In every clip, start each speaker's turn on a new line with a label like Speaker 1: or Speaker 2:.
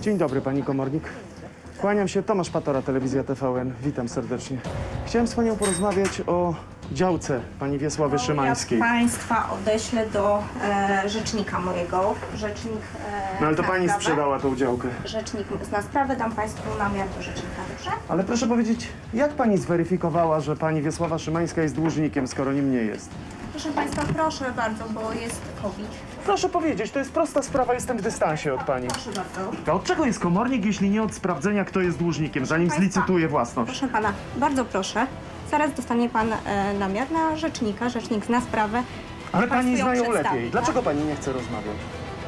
Speaker 1: Dzień dobry, pani komornik. Kłaniam się, Tomasz Patora, Telewizja TVN. Witam serdecznie. Chciałem z panią porozmawiać o działce pani Wiesławy Szymańskiej.
Speaker 2: Ja państwa odeślę do rzecznika mojego. Rzecznik
Speaker 1: No ale to
Speaker 2: zna
Speaker 1: pani
Speaker 2: sprawę.
Speaker 1: sprzedała tą działkę.
Speaker 2: Rzecznik zna sprawę, dam państwu namiar do rzecznika, dobrze?
Speaker 1: Ale proszę powiedzieć, jak pani zweryfikowała, że pani Wiesława Szymańska jest dłużnikiem, skoro nim nie jest?
Speaker 2: Proszę państwa, proszę bardzo, bo jest COVID.
Speaker 1: Proszę powiedzieć, to jest prosta sprawa, jestem w dystansie od pani.
Speaker 2: Proszę bardzo.
Speaker 1: To od czego jest komornik, jeśli nie od sprawdzenia, kto jest dłużnikiem, zanim
Speaker 2: Państwa.
Speaker 1: zlicytuje własność?
Speaker 2: Proszę pana, bardzo proszę. Zaraz dostanie pan namiar na rzecznika. Rzecznik zna sprawę.
Speaker 1: Ale pani
Speaker 2: Państwu ją
Speaker 1: znają
Speaker 2: przedstawi,
Speaker 1: lepiej.
Speaker 2: tak?
Speaker 1: Dlaczego pani nie chce rozmawiać?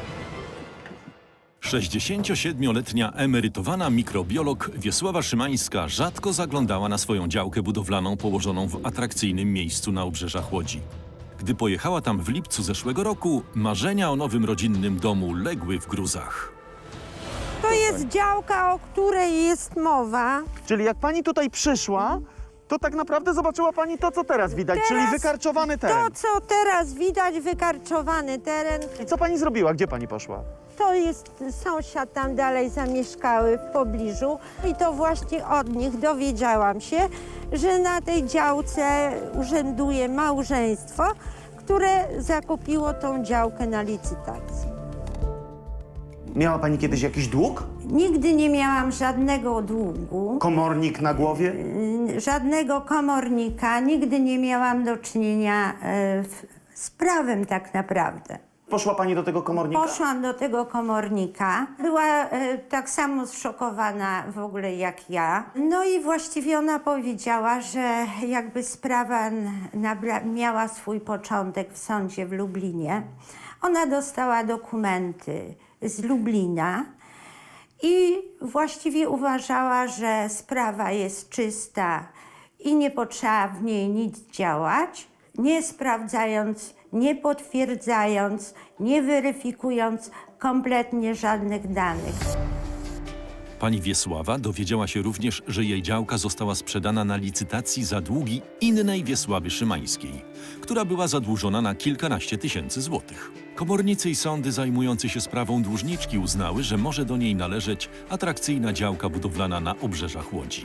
Speaker 3: 67-letnia emerytowana mikrobiolog Wiesława Szymańska rzadko zaglądała na swoją działkę budowlaną położoną w atrakcyjnym miejscu na obrzeżach Łodzi. Gdy pojechała tam w lipcu zeszłego roku, marzenia o nowym rodzinnym domu legły w gruzach.
Speaker 4: To jest działka, o której jest mowa.
Speaker 1: Czyli jak pani tutaj przyszła, to tak naprawdę zobaczyła pani to, co teraz widać, czyli wykarczowany
Speaker 4: To,
Speaker 1: teren.
Speaker 4: co teraz widać, wykarczowany teren,
Speaker 1: I co pani zrobiła? Gdzie pani poszła?
Speaker 4: to jest sąsiad tam dalej zamieszkały w pobliżu i to właśnie od nich dowiedziałam się, że na tej działce urzęduje małżeństwo, które zakupiło tą działkę na licytacji.
Speaker 1: Miała pani kiedyś jakiś dług?
Speaker 4: Nigdy nie miałam żadnego długu,
Speaker 1: Komornik na głowie?
Speaker 4: żadnego komornika, nigdy nie miałam do czynienia z prawem tak naprawdę.
Speaker 1: Poszła pani do tego komornika?
Speaker 4: Poszłam do tego komornika. Była tak samo zszokowana w ogóle jak ja. No i właściwie ona powiedziała, że jakby sprawa miała swój początek w sądzie w Lublinie. Ona dostała dokumenty z Lublina i właściwie uważała, że sprawa jest czysta i nie potrzeba w niej nic działać, nie sprawdzając, nie potwierdzając, nie weryfikując kompletnie żadnych danych.
Speaker 3: Pani Wiesława dowiedziała się również, że jej działka została sprzedana na licytacji za długi innej Wiesławy Szymańskiej, która była zadłużona na kilkanaście tysięcy złotych. Komornicy i sądy zajmujące się sprawą dłużniczki uznały, że może do niej należeć atrakcyjna działka budowlana na obrzeżach Łodzi.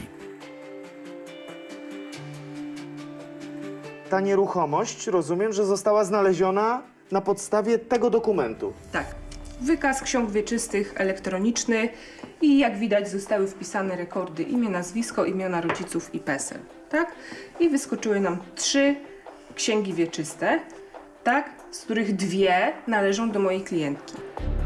Speaker 1: Ta nieruchomość, rozumiem, że została znaleziona na podstawie tego dokumentu.
Speaker 5: Tak. Wykaz ksiąg wieczystych elektroniczny i jak widać zostały wpisane rekordy imię, nazwisko, imiona rodziców i PESEL, tak? I wyskoczyły nam 3 księgi wieczyste, tak? Z których 2 należą do mojej klientki.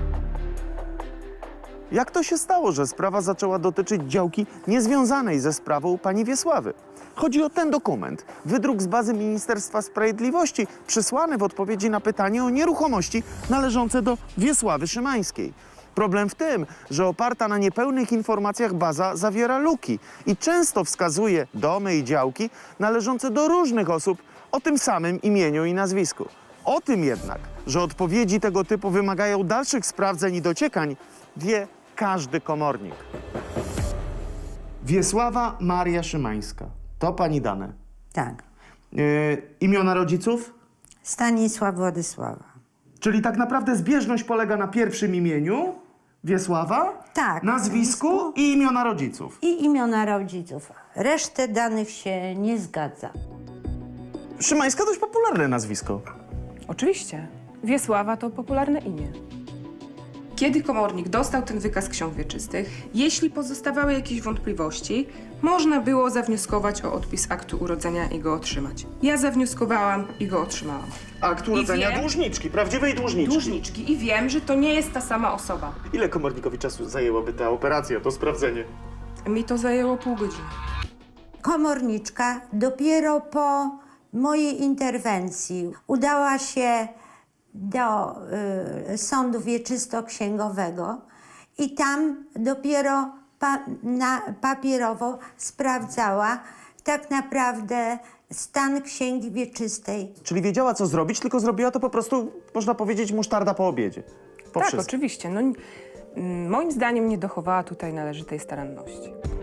Speaker 1: Jak to się stało, że sprawa zaczęła dotyczyć działki niezwiązanej ze sprawą pani Wiesławy? Chodzi o ten dokument, wydruk z bazy Ministerstwa Sprawiedliwości, przysłany w odpowiedzi na pytanie o nieruchomości należące do Wiesławy Szymańskiej. Problem w tym, że oparta na niepełnych informacjach baza zawiera luki i często wskazuje domy i działki należące do różnych osób o tym samym imieniu i nazwisku. O tym jednak, że odpowiedzi tego typu wymagają dalszych sprawdzeń i dociekań, wie każdy komornik. Wiesława Maria Szymańska. To pani dane.
Speaker 4: Tak.
Speaker 1: Imiona rodziców?
Speaker 4: Stanisław Władysława.
Speaker 1: Czyli tak naprawdę zbieżność polega na pierwszym imieniu, Wiesława,
Speaker 4: Tak,
Speaker 1: nazwisku i imiona rodziców.
Speaker 4: I imiona rodziców. Resztę danych się nie zgadza.
Speaker 1: Szymańska dość popularne nazwisko.
Speaker 5: Oczywiście. Wiesława to popularne imię. Kiedy komornik dostał ten wykaz ksiąg wieczystych, jeśli pozostawały jakieś wątpliwości, można było zawnioskować o odpis aktu urodzenia i go otrzymać. Ja zawnioskowałam i go otrzymałam.
Speaker 1: Akt urodzenia
Speaker 5: wiem-
Speaker 1: dłużniczki, prawdziwej dłużniczki.
Speaker 5: Dłużniczki i wiem, że to nie jest ta sama osoba.
Speaker 1: Ile komornikowi czasu zajęłaby ta operacja, to sprawdzenie?
Speaker 5: Mi to zajęło pół godziny.
Speaker 4: Komorniczka dopiero po mojej interwencji udała się do sądu wieczysto-księgowego i tam dopiero papierowo sprawdzała tak naprawdę stan księgi wieczystej.
Speaker 1: Czyli wiedziała, co zrobić, tylko zrobiła to po prostu, można powiedzieć, musztarda po obiedzie. Po
Speaker 5: Tak,
Speaker 1: wszystkim.
Speaker 5: oczywiście. No, moim zdaniem nie dochowała tutaj należytej staranności.